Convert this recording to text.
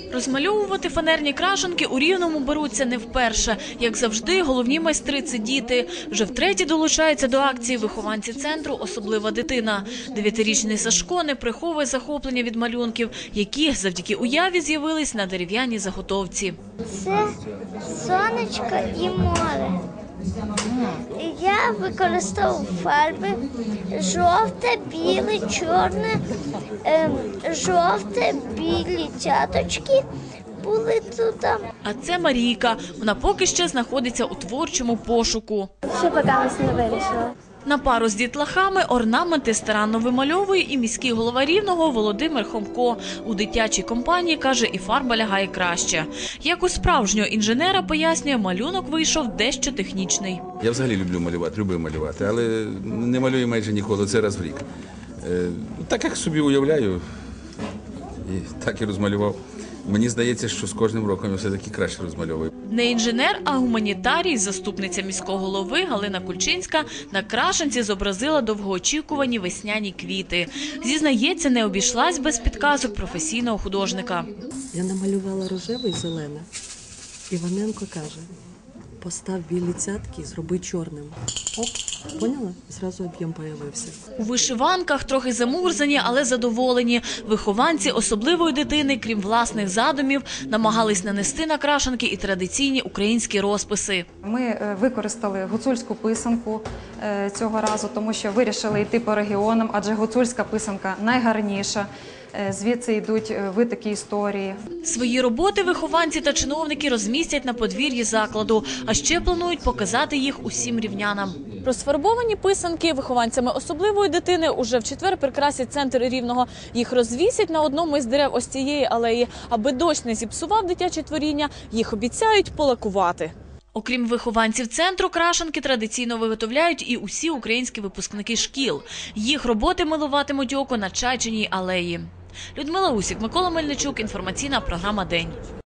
Розмальовувати фанерні крашенки у Рівному беруться не вперше. Як завжди, головні майстри – це діти. Вже втретє долучаються до акції вихованці центру «Особлива дитина». 9-річний Сашко не приховує захоплення від малюнків, які завдяки уяві з'явились на дерев'яній заготовці. Це сонечко і море. Я використовував фарби жовте, біле, чорне, жовте, білі цяточки були тут. А це Марійка. Вона поки ще знаходиться у творчому пошуку. Ще поки не вирішила. На пару з дітлахами орнаменти старанно вимальовує і міський голова Рівного Володимир Хомко. У дитячій компанії, каже, і фарба лягає краще. Як у справжнього інженера, пояснює, малюнок вийшов дещо технічний. Я взагалі люблю малювати, любив малювати, але не малюю майже ніколи, це раз в рік. Так як собі уявляю, і так і розмалював. Мені здається, що з кожним роком я все-таки краще розмальовую. Не інженер, а гуманітарій, заступниця міського голови Галина Кульчинська на крашенці зобразила довгоочікувані весняні квіти. Зізнається, не обійшлась без підказок професійного художника. Я намалювала рожеве і зелене. Іваненко каже, постав білі цятки, зроби чорним. Оп, поняла? Зразу об'єм появився. У вишиванках трохи замурзані, але задоволені. Вихованці особливої дитини, крім власних задумів, намагались нанести на крашенки і традиційні українські розписи. Ми використали гуцульську писанку цього разу, тому що вирішили йти по регіонам, адже гуцульська писанка найгарніша. Звідси йдуть витоки історії. Свої роботи вихованці та чиновники розмістять на подвір'ї закладу, а ще планують показати їх усім рівнянам. Розфарбовані писанки вихованцями особливої дитини уже в четвер прикрасять центр Рівного. Їх розвісять на одному із дерев ось цієї алеї. Аби дощ не зіпсував дитяче творіння, їх обіцяють полакувати. Окрім вихованців центру, крашенки традиційно виготовляють і усі українські випускники шкіл. Їх роботи милуватимуть око на Чайчиній алеї. Людмила Усік, Микола Мельничук, інформаційна програма «День».